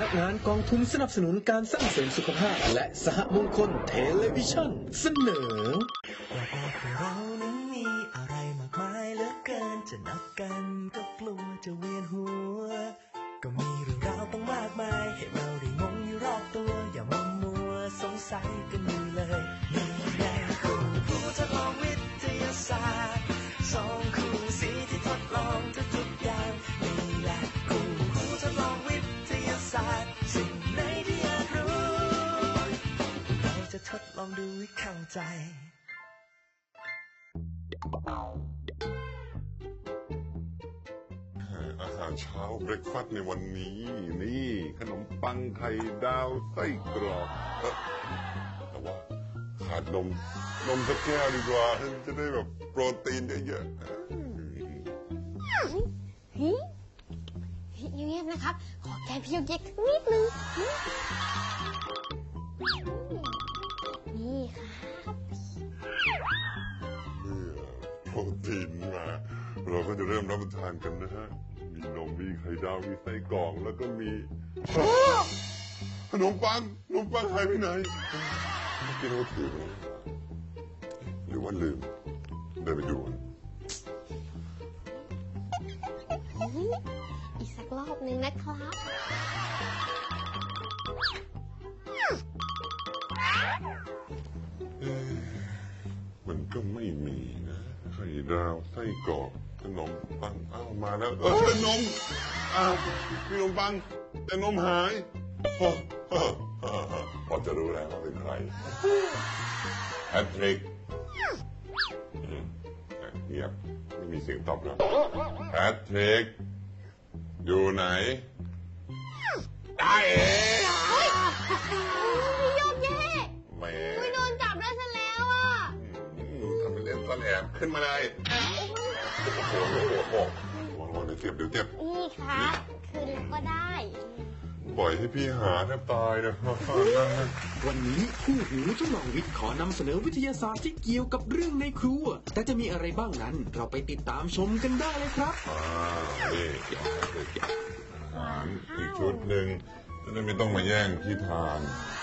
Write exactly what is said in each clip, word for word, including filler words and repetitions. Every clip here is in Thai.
ำงานกองทุนสนับสนุนการสร้างเสริมสุขภาพและสหมงคลเทเลวิชั่นเสนอว่าโอ้เรานั้นมีอะไรมากมายเหลือเกินจะนับกันก็กลัวจะเวียนหัวก็มีเรื่องราวต้องมากมายให้เราได้งงอยู่รอบตัวอย่ามัวมัวสงสัยกันอยู่เลยนี่ไงคู่ผู้ทดลองวิทยาศาสตร์สองคู่สีที่ทดลองทุกๆอย่างนี่แหละคู่ผู้ทดลองวิทยาศาสตร์สิ่งไหนที่อยากรู้เราจะทดลองดูให้เข้าใจอาหารเช้าเบรกฟาสต์ในวันนี้นี่ขนมปังไข่ดาวไส้กรอกแต่ว่าขาดนมนมสักแก้วดีกว่าจะได้แบบโปรตีนเยอะๆเฮ้ยเงียบๆนะครับขอแกพี่เย็กนิดนึงนี่ครับเมื่อโปรตีนมาเราก็จะเริ่มรับประทานกันนะฮะมีนมมีไข่ดาวมีไส้กรอกแล้วก็มีขนมปังขนมปังหายไปไหนกินโอถือหรือว่าลืมเดินไปดูอีกสักรอบหนึ่งนะครับมันก็ไม่มีนะไข่ดาวไส้กรอกขนมปังอ้าวมาแล้วเออนมอ้าวมีขนมปังแต่นมหายพอจะรู้แล้วว่าเป็นใครแพทริกเงียบไม่มีเสียงตอบรับแพทริกอยู่ไหนได้เองพี่โยกเย่แม่ไม่โดนจับได้ซะแล้วอ่ะทำเป็นเล่นซ่อนแอบขึ้นมาเลยโอ้โหโอ้โหโอ้โหเดี๋ยวเจ็บเดี๋ยวเจ็บนี่ครับคืนแล้วก็ได้ปล่อยให้พี่หาแทบตายนะวันนี้คู่หูทดลองวิทย์ขอนำเสนอวิทยาศาสตร์ที่เกี่ยวกับเรื่องในครัวแต่จะมีอะไรบ้างนั้นเราไปติดตามชมกันได้เลยครับอ่านี่อาหารอีกชุดหนึ่งจะได้ไม่ต้องมาแย่งที่ทาน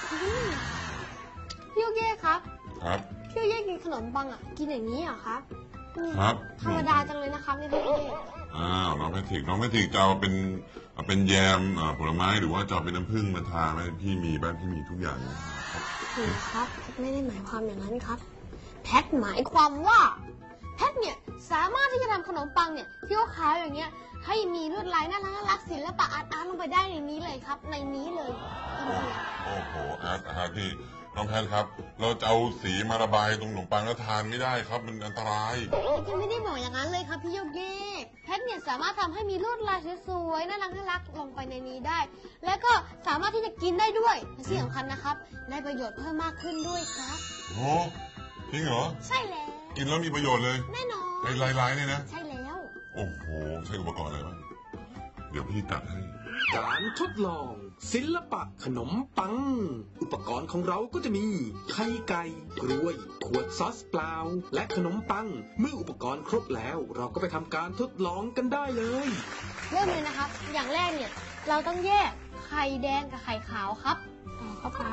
พี่โยกเย่ครับครับพี่โยกเย่กินขนมปังอ่ะกินอย่างนี้เหรอครับครับธรรมดาจังเลยนะครับนี่พี่โยกเย่อ้าวน้องแพทริกน้องแพทริกจะเอาเป็นเอาเป็นแยมผลไม้หรือว่าจะเอาเป็นน้ำผึ้งมาทาไหมพี่มีบ้างพี่มีทุกอย่างครับครับแพทไม่ได้หมายความอย่างนั้นครับแพทหมายความว่าแพทเนี่ยสามารถที่จะทำขนมปังเนี่ยที่เขาขายอย่างเงี้ยให้มีลวดลายน่ารักน่ารักศิลปะอาร์ตอาร์ตลงไปได้ในนี้เลยครับในนี้เลยโอ้โหอาร์ตอาร์ตที่น้องแพทครับเราจะเอาสีมาระบายตรงขนมปังแล้วทานไม่ได้ครับมันอันตรายแพทไม่ได้บอกอย่างนั้นเลยครับพี่โยกเย่แพทเนี่ยสามารถทำให้มีลวดลายสวยๆน่ารักน่ารักลงไปในนี้ได้แล้วก็สามารถที่จะกินได้ด้วยที่สำคัญนะครับได้ประโยชน์เพิ่มมากขึ้นด้วยครับโอ้จริงเหรอใช่แล้วกินแล้วมีประโยชน์เลยแน่นอนไอ้ลายๆเนี่ยนะใช่แล้วโอ้โหใช้อุปกรณ์อะไรบ้างเดี๋ยวพี่ตัดให้การทดลองศิลปะขนมปังอุปกรณ์ของเราก็จะมีไข่ไก่กล้วยขวดซอสเปล่าและขนมปังเมื่ออุปกรณ์ครบแล้วเราก็ไปทำการทดลองกันได้เลยเริ่มเลยนะครับอย่างแรกเนี่ยเราต้องแยกไข่แดงกับไข่ขาวครับเข้าไป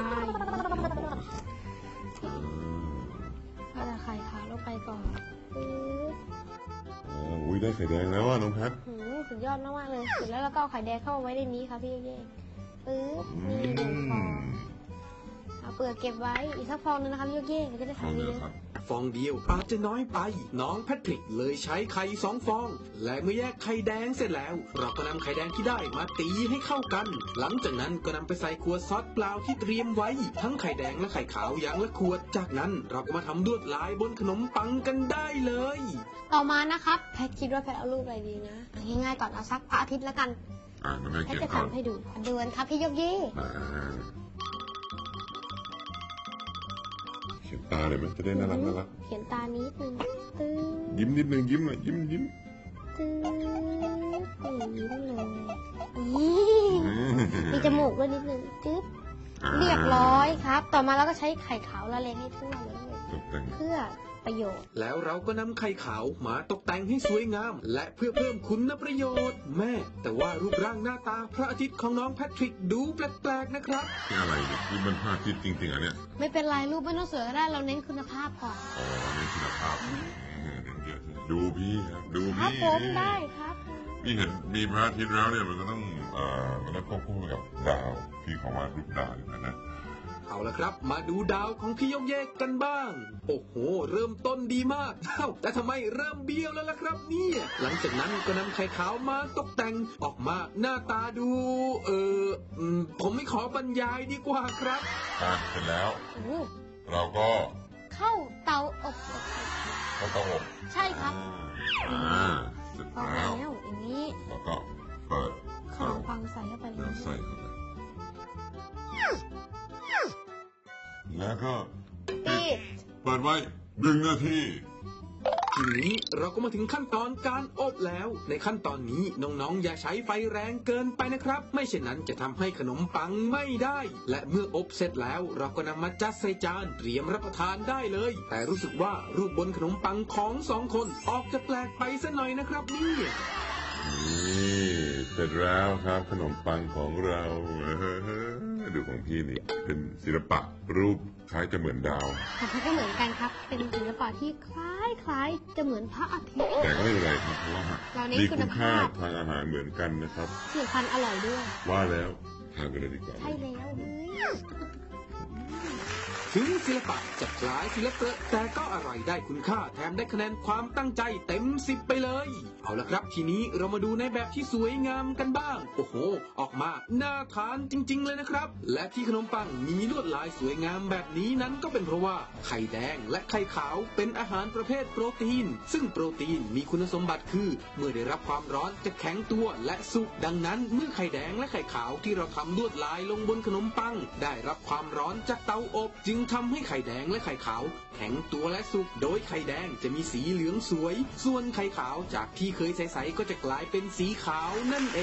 เราจะไข่ขาวลงไปก่อนอุ้ยได้ไข่แดงแล้วอ่ะน้องแพทสุดยอดมากๆเลยเสร็จแล้วเราก็เอาไข่แดงเข้าไว้ในนี้ครับพี่เย่ปึ๊บนี่หนึ่งฟองเอาเปลือกเก็บไว้อีกสักฟองนึงนะครับพี่เย่จะได้ทานดีเลยฟองเดียวอาจจะน้อยไปน้องแพทริกเลยใช้ไข่สองฟองและเมื่อแยกไข่แดงเสร็จแล้วเราก็นำไข่แดงที่ได้มาตีให้เข้ากันหลังจากนั้นก็นำไปใส่ขวดซอสเปล่าที่เตรียมไว้ทั้งไข่แดงและไข่ขาวอย่างละขวดจากนั้นเราก็มาทำลวดลายบนขนมปังกันได้เลยต่อมานะครับแพทคิดว่าแพทเอารูปอะไรดีนะง่ายๆก่อนเอาสักพระอาทิตย์แล้วกันแพทจะทำให้ดูดูกันครับพี่โยกเย่เขียนตาเลยไหมจะได้น่ารักน่ารักเขียนตานิดนึงตึ๊บยิ้มนิดนึงยิ้มหน่อยยิ้มยิ้มตึ๊บยิ้มเลยมีจมูกด้วยนิดนึงตึ๊บเรียบร้อยครับต่อมาเราก็ใช้ไข่ขาวละเลงให้ทั่วเลยเพื่อประโยชน์แล้วเราก็นำไข่ขาวมาตกแต่งให้สวยงาม และเพื่อเพิ่มคุณประโยชน์แม่แต่ว่ารูปร่างหน้าตาพระอาทิตย์ของน้องแพทริกดูแปลกๆนะครับนี่อะไรเนี่ยนี่มันพระอาทิตย์จริงๆอ่ะเนี่ยไม่เป็นไรรูปไม่ต้องสวยก็ได้เราเน้นคุณภาพก่อนอ๋อนี่คุณภาพเดี๋ยวดูพี่ครับดูครับพี่ผมได้ครับพี่เห็นมีพระอาทิตย์แล้วเนี่ยมันก็ต้องเอ่อมันต้องควบคู่กับดาวพี่ของมารูปดาวอยู่นะนะเอาละครับมาดูดาวของพี่ยกเยกกันบ้าง โอ้โหเริ่มต้นดีมากเอ้าแต่ทำไมเริ่มเบี้ยวแล้วล่ะครับเนี่ยหลังจากนั้นก็นำไข่ขาวมาตกแต่งออกมาหน้าตาดู เอออืมผมไม่ขอบรรยายดีกว่าครับอ่ะเสร็จแล้วโอ้เราก็เข้าเตาอบเข้าเตาอบใช่ครับอ่าเสร็จพอแล้แล้ว วอย่างนี้แล้วก็เปิดขนมปังใส่เข้าไปเลแล้วยใส่เข้าไปแล้วก็ปิดเปิดไว้หนึ่งนาทีทีนี้เราก็มาถึงขั้นตอนการอบแล้ว ในขั้นตอนนี้น้องๆอย่าใช้ไฟแรงเกินไปนะครับ ไม่เช่นนั้นจะทำให้ขนมปังไม่ได้ และเมื่ออบเสร็จแล้วเราก็นำมาจัดใส่จานเตรียมรับประทานได้เลย แต่รู้สึกว่ารูปบนขนมปังของสองคนออกจะแปลกไปซะหน่อยนะครับเนี่ยนี่เสร็จแล้วครับขนมปังของเราดูของพี่นี่เป็นศิลปะรูปคล้ายจะเหมือนดาวของเขาก็เหมือนกันครับ เป็นศิลปะที่คล้ายคล้ายๆจะเหมือนพระอาทิตย์แต่ก็ไม่เป็นไรครับเพราะว่าเราเน้นมีคุคุณ ณภาค่าพทางอาหารเหมือนกันนะครับที่สำคัญอร่อยด้วยว่าแล้วทานกันเลยดีกว่าใช่แล้วเฮ้ยถึงศิลปะจะคล้ายศิลปะแต่ก็อร่อยได้คุณค่าแถมได้คะแนนความตั้งใจเต็มสิบไปเลย เอาละครับทีนี้เรามาดูในแบบที่สวยงามกันบ้าง โอ้โห ออกมาน่าทานจริง ๆ เลยนะครับ และที่ขนมปังมีลวดลายสวยงามแบบนี้นั้นก็เป็นเพราะว่าไข่แดงและไข่ขาวเป็นอาหารประเภทโปรตีน ซึ่งโปรตีนมีคุณสมบัติคือ เมื่อได้รับความร้อนจะแข็งตัวและสุกดังนั้น เมื่อไข่แดงและไข่ขาวที่เราทำลวดลายลงบนขนมปัง ได้รับความร้อนจากเตาอบ จึงทำให้ไข่แดงและไข่ขาวแข็งตัวและสุก โดยไข่แดงจะมีสีเหลืองสวย ส่วนไข่ขาวจากที่เคยใสๆก็จะกลายเป็นสีขาวนั่นเอง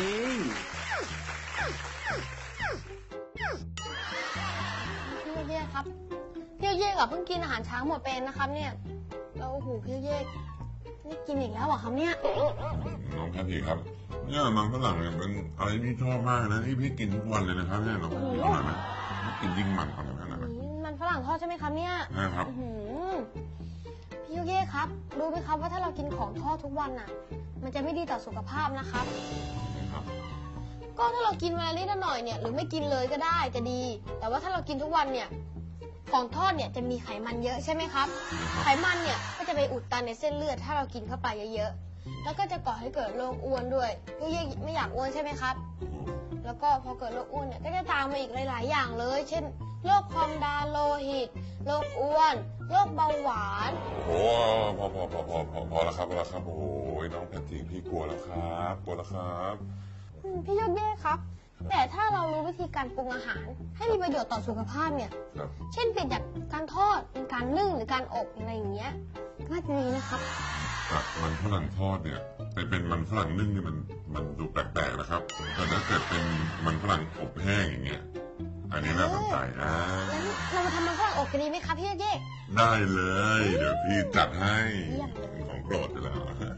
พี่เย่ครับพี่เย่กับเพิ่งกินอาหารช้างหมดเป็นนะครับเนี่ยเราโอ้โหพี่เย่นี่กินอีกแล้วเหรอครับเนี่ยน้องแพทย์ครับเนี่ยมันฝรั่งเนี่ยเป็นอะไรที่ชอบมากนะที่พี่กินทุกวันเลยนะครับเนี่ยน้องแพทย์อร่อยไหมกินยิ่งมันกว่านั้นนะอืมมันฝรั่งทอดใช่ไหมครับเนี่ยนะครับอื้อหือพี่ยุเย่ครับรู้ไหมครับว่าถ้าเรากินของทอดทุกวันน่ะ มันจะไม่ดีต่อสุขภาพนะครับครับก็ถ้าเรากินวันละนิดละหน่อยเนี่ยหรือไม่กินเลยก็ได้จะดี แต่ว่าถ้าเรากินทุกวันเนี่ยของทอดเนี่ยจะมีไขมันเยอะใช่ไหมครับ ไขมันเนี่ยก็จะไปอุดตันในเส้นเลือดถ้าเรากินเข้าไปเยอะๆแล้วก็จะก่อให้เกิดโรคอ้วนด้วยพี่ยุเย่ไม่อยากอ้วนใช่ไหมครับ แล้วก็พอเกิดโรคอ้วนเนี่ยก็จะตามมาอีกหลาย ๆ อย่างเลย เช่นโรคความดันโลหิตโรคอ้วนโรคเบาหวานโอ้พอพอพอพอพอพอแล้วครับพอแล้วครับโอ้ยน้องแพทย์พี่กลัวแล้วครับกลัวแล้วครับอืมพี่ยกเย่ครับ แต่ถ้าเรารู้วิธีการปรุงอาหาร ให้มีประโยชน์ต่อสุขภาพเนี่ยครับเช่นเปลี่ยนจากการทอดเป็นการนึ่งหรือการอบอะไรอย่างเงี้ยน่าจะดีนะครับจากมันฝรั่งทอดเนี่ยไปเป็นมันฝรั่งนึ่งเนี่ยมันมันดูแปลกๆนะครับแต่ถ้าเกิดเป็นมันฝรั่งอบแห้งอย่างเงี้ยอันนี้น่าสนใจนะงั้นเรามาทำมันฝรั่งอบกันดีไหมครับพี่ยกเย่ได้เลย เดี๋ยวพี่จัดให้เยี่ยมเลยของโปรดอยู่แล้ว